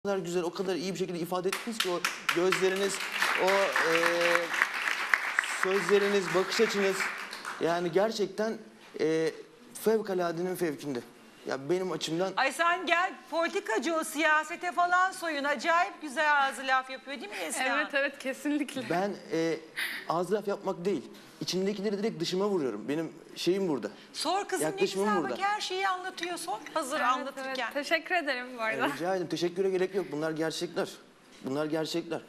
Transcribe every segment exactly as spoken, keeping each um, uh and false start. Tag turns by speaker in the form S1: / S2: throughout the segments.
S1: O kadar güzel, o kadar iyi bir şekilde ifade ettiniz ki o gözleriniz, o e, sözleriniz, bakış açınız yani gerçekten e, fevkaladenin fevkinde. Ya benim açımdan
S2: Ay sen gel politikacı o siyasete falan soyun. Acayip güzel ağzı laf yapıyor değil mi Neslihan?
S3: Evet evet kesinlikle.
S1: ben e, ağız laf yapmak değil, içimdekileri direkt dışıma vuruyorum. Benim şeyim burada.
S2: Sor kızım ne
S1: Yaklaşımım
S2: güzel
S1: burada.
S2: bak her şeyi anlatıyor. Sor hazır
S3: Evet,
S2: anlatırken.
S3: evet. Teşekkür ederim bu arada.
S1: E, rica ederim, teşekküre gerek yok. Bunlar gerçekler. Bunlar gerçekler.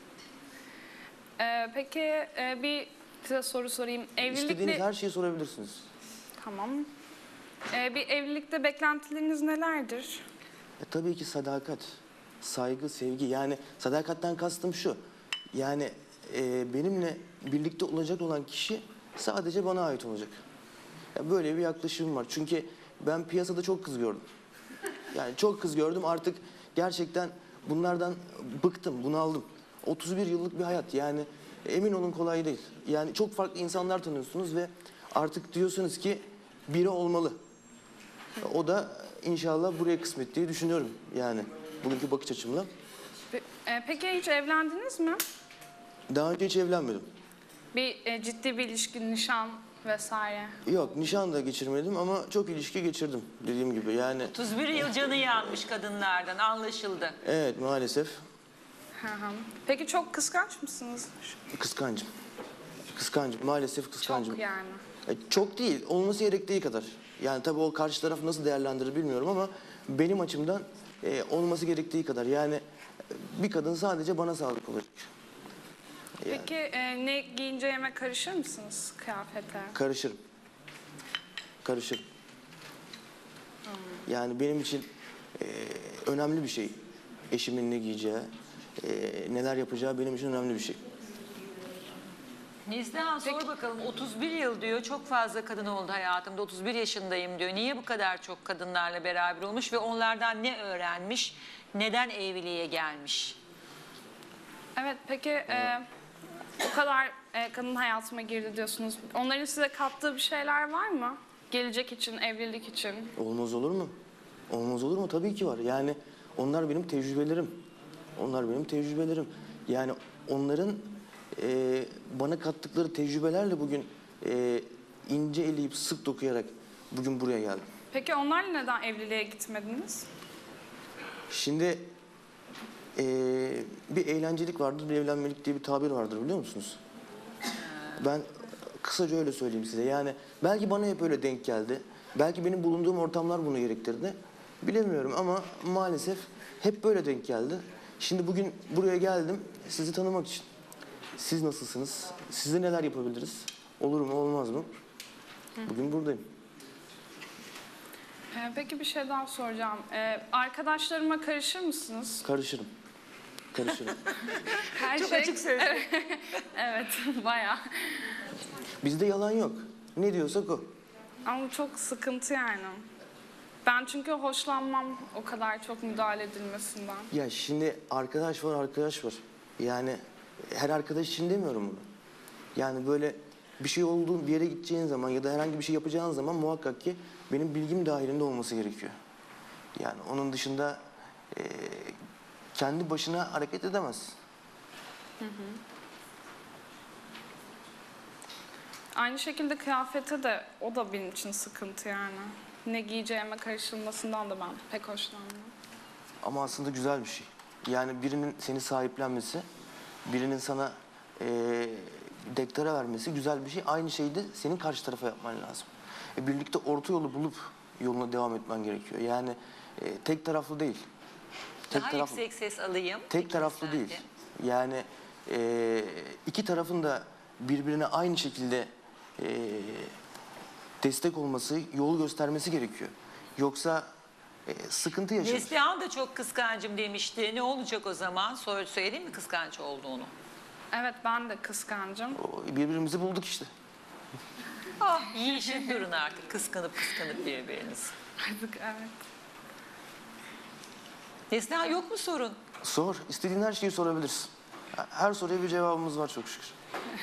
S3: Ee, peki e, bir size soru sorayım.
S1: İstediğiniz
S3: Evlilikle...
S1: her şeyi sorabilirsiniz.
S3: Tamam. Ee, bir evlilikte beklentileriniz nelerdir?
S1: E, tabii ki sadakat, saygı, sevgi. Yani sadakatten kastım şu. Yani e, benimle birlikte olacak olan kişi sadece bana ait olacak. Ya böyle bir yaklaşımım var. Çünkü ben piyasada çok kız gördüm. Yani çok kız gördüm. Artık gerçekten bunlardan bıktım, bunaldım. otuz bir yıllık bir hayat. Yani emin olun kolay değil. Yani çok farklı insanlar tanıyorsunuz ve artık diyorsunuz ki biri olmalı. O da inşallah buraya kısmet diye düşünüyorum yani bugünkü bakış açımla.
S3: Pe- e, peki hiç evlendiniz mi?
S1: Daha önce hiç evlenmedim.
S3: Bir e, ciddi bir ilişki, nişan vesaire.
S1: Yok, nişan da geçirmedim ama çok ilişki geçirdim dediğim gibi yani.
S2: otuz bir yıl canı yanmış kadınlardan anlaşıldı.
S1: Evet, maalesef
S3: Hı hı. Peki çok kıskanç mısınız?
S1: kıskancım. Kıskancım, maalesef kıskancım.
S3: Çok yani.
S1: E, çok değil, olması gerektiği kadar. Yani tabii o karşı taraf nasıl değerlendirir bilmiyorum ama benim açımdan e, olması gerektiği kadar. Yani e, bir kadın sadece bana sadık olacak. Yani
S3: Peki e, ne giyineceğime karışır mısınız kıyafete?
S1: karışırım. Karışırım. Yani benim için e, önemli bir şey. Eşimin ne giyeceği, e, neler yapacağı benim için önemli bir şey.
S2: Neslihan sor bakalım otuz bir yıl diyor çok fazla kadın oldu hayatımda otuz bir yaşındayım diyor. Niye bu kadar çok kadınlarla beraber olmuş ve onlardan ne öğrenmiş? Neden evliliğe gelmiş?
S3: Evet peki e, o kadar e, kadın hayatıma girdi diyorsunuz. Onların size kattığı bir şeyler var mı? Gelecek için, evlilik için.
S1: Olmaz olur mu? Olmaz olur mu? Tabii ki var. Yani onlar benim tecrübelerim. Onlar benim tecrübelerim. Yani onların e, bana kattıkları tecrübelerle bugün e, ince eleyip sık dokuyarak bugün buraya geldim.
S3: Peki onlarla neden evliliğe gitmediniz?
S1: Şimdi e, bir eğlencelik vardır, bir evlenmelik diye bir tabir vardır biliyor musunuz? Ben kısaca öyle söyleyeyim size. Yani belki bana hep öyle denk geldi. Belki benim bulunduğum ortamlar bunu gerektirdi. Bilemiyorum ama maalesef hep böyle denk geldi. Şimdi bugün buraya geldim sizi tanımak için. Siz nasılsınız? Size neler yapabiliriz? Olur mu olmaz mı? Bugün buradayım.
S3: E, peki bir şey daha soracağım. E, arkadaşlarıma karışır mısınız?
S1: Karışırım. Karışırım.
S3: Her
S2: Çok
S3: şey...
S2: açık sözlü.
S3: Evet bayağı.
S1: Bizde yalan yok. Ne diyorsak o.
S3: Ama çok sıkıntı yani. Ben çünkü hoşlanmam o kadar çok müdahale edilmesinden.
S1: Ya şimdi arkadaş var arkadaş var. Yani her arkadaş için demiyorum bunu. Yani böyle bir şey olduğu bir yere gideceğin zaman ya da herhangi bir şey yapacağın zaman muhakkak ki benim bilgim dahilinde olması gerekiyor. Yani onun dışında e, kendi başına hareket edemez.
S3: Hı hı. Aynı şekilde kıyafete de o da benim için sıkıntı yani. Ne giyeceğime karışılmasından da ben pek hoşlanmıyorum.
S1: Ama aslında güzel bir şey. Yani birinin seni sahiplenmesi, birinin sana e, dektara vermesi güzel bir şey. Aynı şeyi de senin karşı tarafa yapman lazım. E, birlikte orta yolu bulup yoluna devam etmen gerekiyor. Yani e, tek taraflı değil. Tek
S2: Daha
S1: taraflı,
S2: yüksek ses alayım.
S1: tek taraflı
S2: İkinizden
S1: değil.
S2: de.
S1: Yani e, iki tarafın da birbirine aynı şekilde e, destek olması, yol göstermesi gerekiyor. Yoksa e, sıkıntı yaşanır.
S2: Neslihan da çok kıskancım demişti. Ne olacak o zaman? Sor, söyleyeyim mi kıskanç olduğunu?
S3: Evet ben de kıskancım.
S1: O, birbirimizi bulduk işte.
S2: Ah yiyişin durun artık kıskanıp kıskanıp birbirinizi.
S3: Artık evet.
S2: Neslihan yok mu sorun?
S1: Sor. İstediğin her şeyi sorabilirsin. Her soruya bir cevabımız var çok şükür.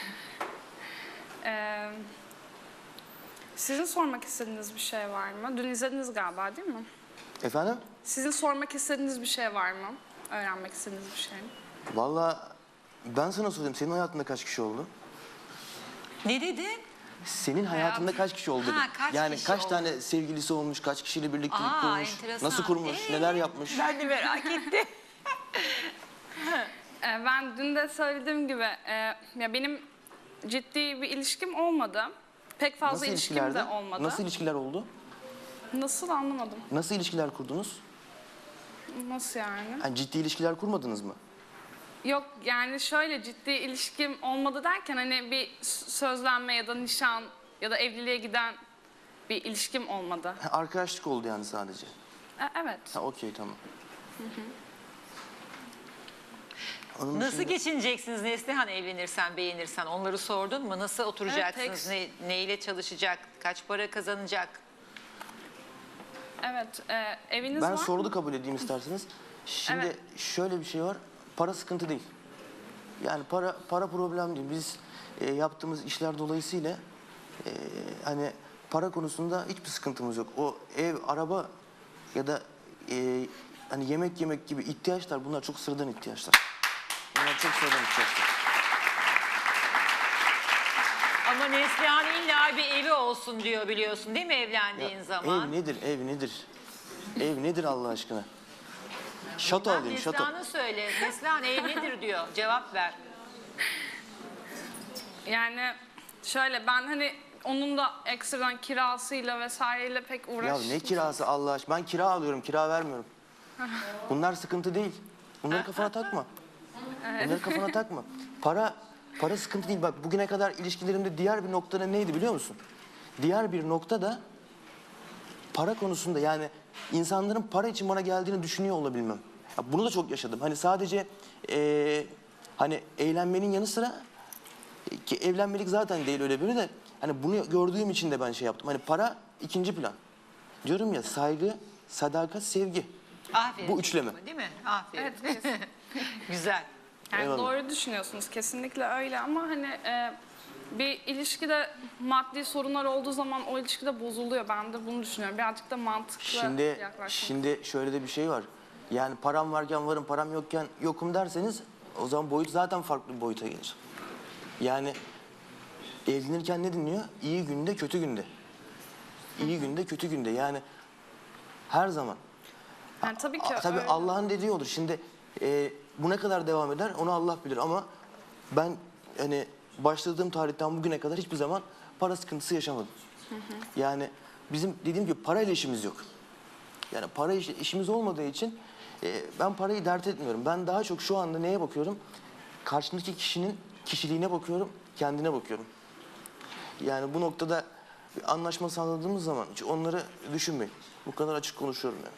S3: Ee, sizin sormak istediğiniz bir şey var mı? Dün izlediniz galiba değil mi?
S1: Efendim?
S3: Sizin sormak istediğiniz bir şey var mı? öğrenmek istediğiniz bir şey mi?
S1: Vallahi ben sana sorayım. Senin hayatında kaç kişi oldu?
S2: Ne dedin?
S1: Senin hayatında kaç kişi oldu dedim.
S2: Ha, kaç
S1: yani
S2: kişi
S1: kaç
S2: oldu?
S1: tane sevgilisi olmuş, kaç kişiyle birliktelik
S2: Aa,
S1: kurmuş,
S2: enteresan.
S1: nasıl kurmuş,
S2: Ee?
S1: neler yapmış.
S2: Ben de merak ettim.
S3: Ee, Ben dün de söylediğim gibi e, ya benim ciddi bir ilişkim olmadı. Pek fazla
S1: Nasıl
S3: ilişkim
S1: ilişkilerde?
S3: de olmadı.
S1: Nasıl ilişkiler oldu?
S3: Nasıl anlamadım.
S1: Nasıl ilişkiler kurdunuz?
S3: Nasıl yani?
S1: Yani ciddi ilişkiler kurmadınız mı?
S3: Yok yani şöyle ciddi ilişkim olmadı derken hani bir s- sözlenme ya da nişan ya da evliliğe giden bir ilişkim olmadı.
S1: Ha, arkadaşlık oldu yani sadece.
S3: E, evet.
S1: Ha okey tamam. Onun
S2: Nasıl
S1: dışında-
S2: geçineceksiniz Neslihan evlenirsen, beğenirsen? Onları sordun mu? Nasıl oturacaksınız?
S3: Evet,
S2: ne, neyle çalışacak? Kaç para kazanacak?
S3: Evet. e, eviniz
S1: Ben
S3: var
S1: sorudu
S3: mı?
S1: kabul edeyim isterseniz. Şimdi
S3: Evet.
S1: şöyle bir şey var. Para sıkıntı değil. Yani para para problem değil. Biz e, yaptığımız işler dolayısıyla e, hani para konusunda hiçbir sıkıntımız yok. O ev, araba ya da e, hani yemek yemek gibi ihtiyaçlar bunlar çok sıradan ihtiyaçlar. Bunlar çok sıradan ihtiyaçlar.
S2: Ama Neslihan illa bir evi olsun diyor biliyorsun değil mi evlendiğin
S1: Ya,
S2: zaman?
S1: ev nedir? Ev nedir? Ev nedir Allah aşkına? Şato
S2: Ben
S1: alayım, şato.
S2: Neslihan'ı söyle. Neslihan ev nedir diyor. Cevap ver.
S3: Yani şöyle ben hani onun da ekstradan kirasıyla vesaireyle pek
S1: Ya
S3: uğraş.
S1: ne kirası Allah aşkına? Ben kira alıyorum, kira vermiyorum. Bunlar sıkıntı değil. Bunları kafana takma. Bunları kafana takma. Para para sıkıntı değil. Bak bugüne kadar ilişkilerimde diğer bir noktada neydi biliyor musun? Diğer bir nokta da para konusunda yani insanların para için bana geldiğini düşünüyor olabilmem. Ya bunu da çok yaşadım. Hani sadece eee, hani eğlenmenin yanı sıra ki evlenmelik zaten değil öyle biri de hani bunu gördüğüm için de ben şey yaptım. Hani para ikinci plan. Diyorum ya saygı, sadakat, sevgi.
S2: Aferin.
S1: Bu üçleme.
S2: çocuğuma, Değil mi? Aferin.
S3: Evet, kesin.
S2: Güzel.
S3: Yani
S1: Eyvallah.
S3: doğru düşünüyorsunuz kesinlikle öyle ama hani e, bir ilişkide maddi sorunlar olduğu zaman o ilişkide bozuluyor. Ben de bunu düşünüyorum. Birazcık da mantıklı
S1: Şimdi
S3: yaklaşmak.
S1: şimdi şöyle de bir şey var. Yani param varken varım, param yokken yokum derseniz o zaman boyut zaten farklı bir boyuta gelir. Yani evlenirken ne dinliyor? İyi günde, kötü günde. İyi günde, kötü günde. Yani her zaman.
S3: Yani tabii ki
S1: A- Tabii
S3: öyle.
S1: Allah'ın dediği olur. Şimdi e, bu ne kadar devam eder onu Allah bilir ama ben hani başladığım tarihten bugüne kadar hiçbir zaman para sıkıntısı yaşamadım. Yani bizim dediğim gibi parayla işimiz yok. Yani para iş- işimiz olmadığı için e, ben parayı dert etmiyorum. Ben daha çok şu anda neye bakıyorum? Karşımdaki kişinin kişiliğine bakıyorum, kendine bakıyorum. Yani bu noktada bir anlaşma sağladığımız zaman hiç onları düşünmeyin. Bu kadar açık konuşuyorum yani.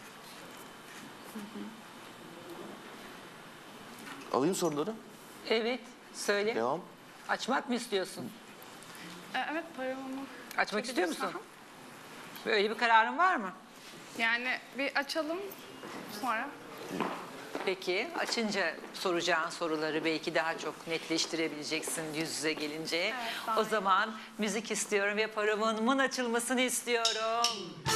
S1: Alayım soruları.
S2: Evet. Söyle.
S1: Devam.
S2: Açmak mı istiyorsun?
S3: E, evet paramı.
S2: Açmak istiyor musun?
S3: Aha.
S2: Böyle bir kararın var mı?
S3: Yani bir açalım sonra.
S2: Peki açınca soracağın soruları belki daha çok netleştirebileceksin yüz yüze gelince.
S3: daha
S2: O
S3: iyi.
S2: zaman müzik istiyorum ve paramın açılmasını istiyorum.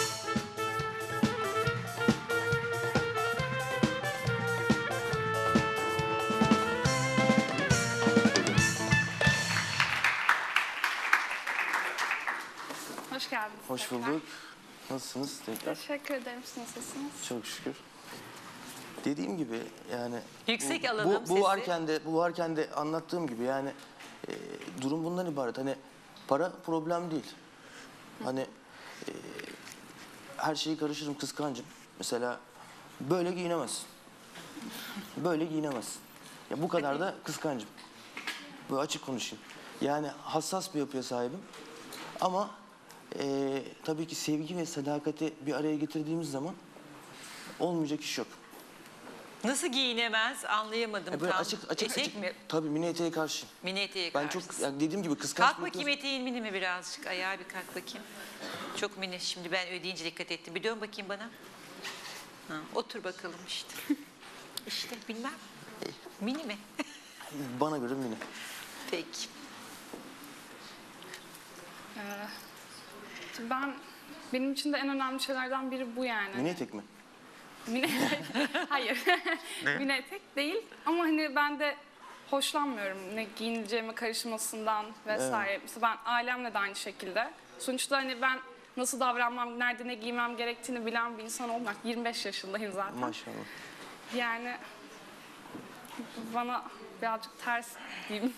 S3: Hoş geldiniz.
S1: Hoş
S3: tekrar.
S1: bulduk. Nasılsınız tekrar?
S3: Teşekkür ederim. Siz nasılsınız?
S1: Çok şükür. Dediğim gibi yani
S2: Yüksek
S1: bu,
S2: alalım
S1: bu,
S2: sesi.
S1: bu varken de bu varken de anlattığım gibi yani e, durum bundan ibaret. Hani para problem değil. Hani e, her şeyi karışırım kıskancım. Mesela böyle giyinemezsin. Böyle giyinemezsin. Ya bu kadar da kıskancım. Böyle açık konuşayım. Yani hassas bir yapıya sahibim. Ama e, tabii ki sevgi ve sadakati bir araya getirdiğimiz zaman olmayacak iş yok.
S2: Nasıl giyinemez anlayamadım
S1: Ya böyle
S2: tam.
S1: açık açık
S2: Etek
S1: açık.
S2: mi?
S1: Tabii mini eteğe karşı.
S2: Mini eteğe
S1: Ben çok
S2: karşısın.
S1: yani dediğim gibi kıskanç
S2: Kalk
S1: bir
S2: bakayım
S1: yapıya-
S2: eteğin mini mi birazcık? Ayağa bir kalk bakayım. Çok mini. Şimdi ben ödeyince dikkat ettim. Bir dön bakayım bana. Ha, otur bakalım işte. İşte bilmem. Mini mi?
S1: Bana göre mini.
S2: Peki.
S3: Ben benim için de en önemli şeylerden biri bu yani.
S1: Mini etek mi?
S3: Mini etek. Hayır. Mini etek değil ama hani ben de hoşlanmıyorum ne giyineceğime karışmasından vesaire. Mesela ben ailemle de aynı şekilde. Sonuçta hani ben nasıl davranmam, nerede ne giymem gerektiğini bilen bir insan olmak. yirmi beş yaşındayım zaten.
S1: Maşallah.
S3: Yani bana birazcık ters diyeyim.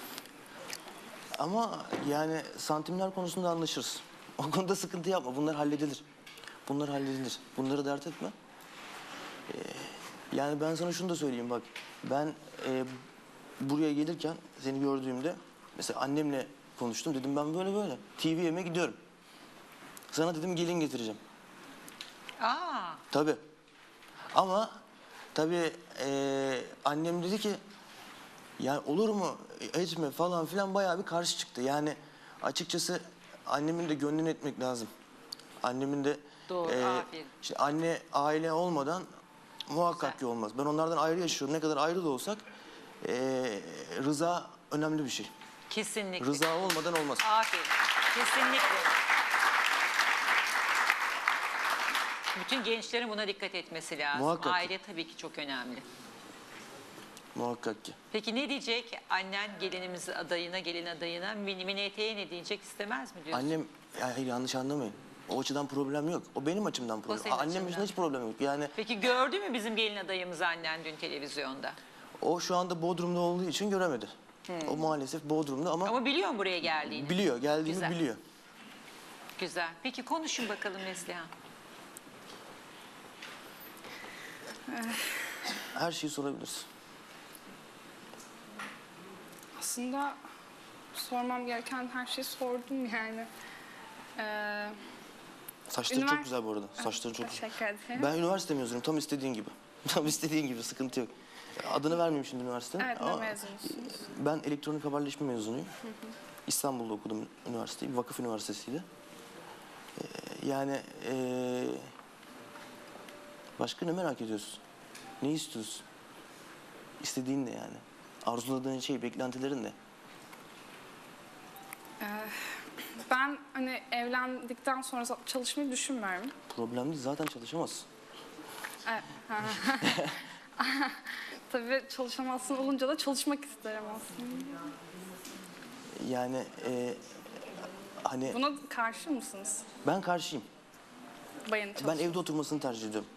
S1: Ama yani santimler konusunda anlaşırız. O konuda sıkıntı yapma. Bunlar halledilir. Bunlar halledilir. Bunları dert etme. Ee, yani ben sana şunu da söyleyeyim bak. Ben e, buraya gelirken seni gördüğümde mesela annemle konuştum. Dedim ben böyle böyle T V M'e gidiyorum. Sana dedim gelin getireceğim.
S2: Aa,
S1: Tabii. Ama tabii e, annem dedi ki yani olur mu etme falan filan bayağı bir karşı çıktı. Yani açıkçası annemin de gönlünü etmek lazım. Annemin de
S2: Doğru, aferin.
S1: işte anne aile olmadan muhakkak
S2: Güzel.
S1: ki olmaz. Ben onlardan ayrı yaşıyorum. Ne kadar ayrı da olsak e, rıza önemli bir şey.
S2: kesinlikle.
S1: Rıza olmadan olmaz.
S2: Aferin. Kesinlikle. Bütün gençlerin buna dikkat etmesi lazım.
S1: Muhakkak ki.
S2: Aile tabii ki çok önemli.
S1: Muhakkak ki.
S2: Peki ne diyecek annen gelinimiz adayına, gelin adayına? Mini, mini eteğe ne diyecek, istemez mi diyorsun?
S1: Annem ya hayır yanlış anlamayın. O açıdan problem yok. O benim açımdan problem.
S2: senin
S1: Annem
S2: açından.
S1: için hiç problem yok. Yani
S2: Peki gördü mü bizim gelin adayımızı annen dün televizyonda?
S1: o şu anda Bodrum'da olduğu için göremedi. O maalesef Bodrum'da ama,
S2: Ama biliyor mu buraya geldiğini?
S1: biliyor, geldiğini
S2: Güzel.
S1: biliyor.
S2: Güzel. Peki konuşun bakalım Neslihan.
S1: Her şeyi sorabilirsin.
S3: Aslında sormam gereken her şeyi sordum yani. Ee,
S1: Saçları
S3: Ünivers-
S1: çok güzel bu arada. Saçları çok güzel.
S3: Teşekkür ederim.
S1: Ben üniversite mezunuyum. Tam istediğin gibi. Tam istediğin gibi. Sıkıntı yok. Adını vermeyeyim şimdi üniversitenin.
S3: Evet, ne
S1: ama
S3: mezunusunuz?
S1: Ben elektronik haberleşme mezunuyum. İstanbul'da okudum üniversiteyi. Vakıf Üniversitesi'yle. Ee, yani ee, başka ne merak ediyorsun? Ne istiyorsun? İstediğin ne yani? Arzuladığın şey, beklentilerin ne?
S3: Ben hani evlendikten sonra çalışmayı düşünmüyorum.
S1: Problem değil. Zaten çalışamazsın.
S3: Evet. Tabii çalışamazsın olunca da çalışmak isterim aslında.
S1: Yani ee, hani
S3: Buna karşı mısınız?
S1: ben karşıyım.
S3: Bayanın
S1: Ben
S3: çalışması.
S1: evde oturmasını tercih ediyorum.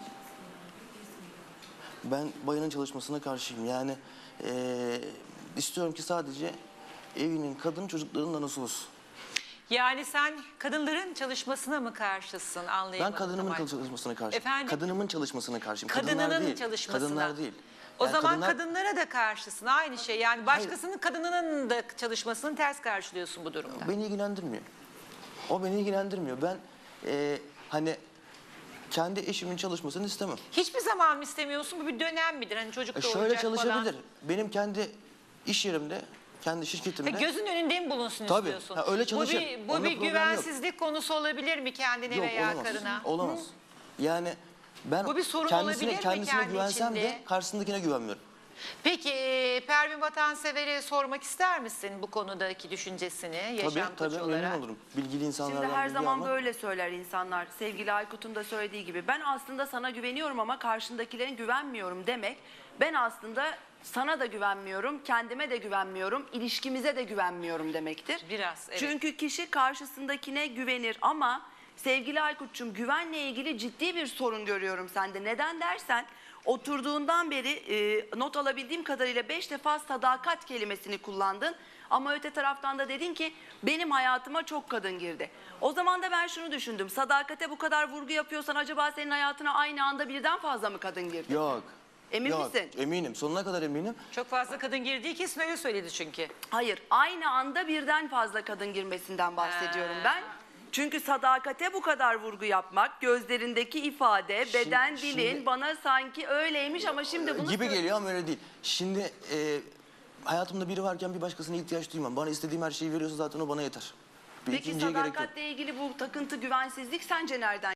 S1: Ben bayanın çalışmasına karşıyım. Yani eee, istiyorum ki sadece evinin, kadın çocuklarının anası olsun.
S2: Yani sen kadınların çalışmasına mı karşısın? Anlayamadım.
S1: Ben kadınımın
S2: Kemal.
S1: çalışmasına karşıyım.
S2: Efendim?
S1: Kadınımın çalışmasına karşıyım. Kadınlar
S2: Kadınının
S1: değil.
S2: çalışmasına.
S1: Kadınlar değil.
S2: O
S1: Yani
S2: zaman
S1: kadınlar-
S2: kadınlara da karşısın. Aynı şey. Yani başkasının kadınının da çalışmasını ters karşılıyorsun bu durumda.
S1: Beni ilgilendirmiyor. O beni ilgilendirmiyor. Ben eee, hani kendi eşimin çalışmasını istemem.
S2: Hiçbir zaman mı istemiyorsun? Bu bir dönem midir? Hani çocuk
S1: E,
S2: doğuracak
S1: şöyle
S2: falan.
S1: çalışabilir. Benim kendi iş yerimde, kendi şirketimde.
S2: Ha, gözün önünde mi bulunsun
S1: Tabii.
S2: istiyorsun?
S1: Ha, öyle
S2: Bu
S1: çalışır.
S2: bir, bu
S1: Onda
S2: bir
S1: problem yok.
S2: güvensizlik konusu olabilir mi kendine
S1: Yok,
S2: veya
S1: olamaz.
S2: karına?
S1: Olamaz. Yani ben
S2: Bu bir sorun
S1: kendisine,
S2: olabilir mi
S1: kendisine
S2: kendi
S1: güvensem
S2: içinde?
S1: de karşısındakine güvenmiyorum.
S2: Peki e, Pervin Vatansever'e sormak ister misin bu konudaki düşüncesini yaşam
S1: Tabii
S2: koçu
S1: tabii
S2: olarak?
S1: memnun olurum. Bilgili insanlardan
S4: Şimdi her
S1: bilgi
S4: zaman
S1: almak.
S4: böyle söyler insanlar. Sevgili Aykut'un da söylediği gibi. Ben aslında sana güveniyorum ama karşındakilerin güvenmiyorum demek. Ben aslında sana da güvenmiyorum, kendime de güvenmiyorum, ilişkimize de güvenmiyorum demektir.
S2: Biraz, evet.
S4: Çünkü kişi karşısındakine güvenir ama sevgili Aykut'cum güvenle ilgili ciddi bir sorun görüyorum sende. Neden dersen oturduğundan beri e, not alabildiğim kadarıyla beş defa sadakat kelimesini kullandın. Ama öte taraftan da dedin ki benim hayatıma çok kadın girdi. O zaman da ben şunu düşündüm. Sadakate bu kadar vurgu yapıyorsan acaba senin hayatına aynı anda birden fazla mı kadın girdi?
S1: Yok.
S4: Emin
S1: Yok,
S4: misin?
S1: Eminim. Sonuna kadar eminim.
S2: Çok fazla kadın girdiği kesin öyle söyledi çünkü.
S4: Hayır, aynı anda birden fazla kadın girmesinden bahsediyorum
S2: Ha.
S4: ben. Çünkü sadakate bu kadar vurgu yapmak, gözlerindeki ifade,
S1: Şimdi-
S4: beden dilin
S1: şimdi-
S4: bana sanki öyleymiş ama şimdi bunu...
S1: Gibi geliyor ama öyle değil. Şimdi e, hayatımda biri varken bir başkasına ihtiyaç duymam. Bana istediğim her şeyi veriyorsa zaten o bana yeter. Bir
S4: Peki
S1: ikinciye gerek yok.
S4: sadakatle ilgili bu takıntı, güvensizlik sence nereden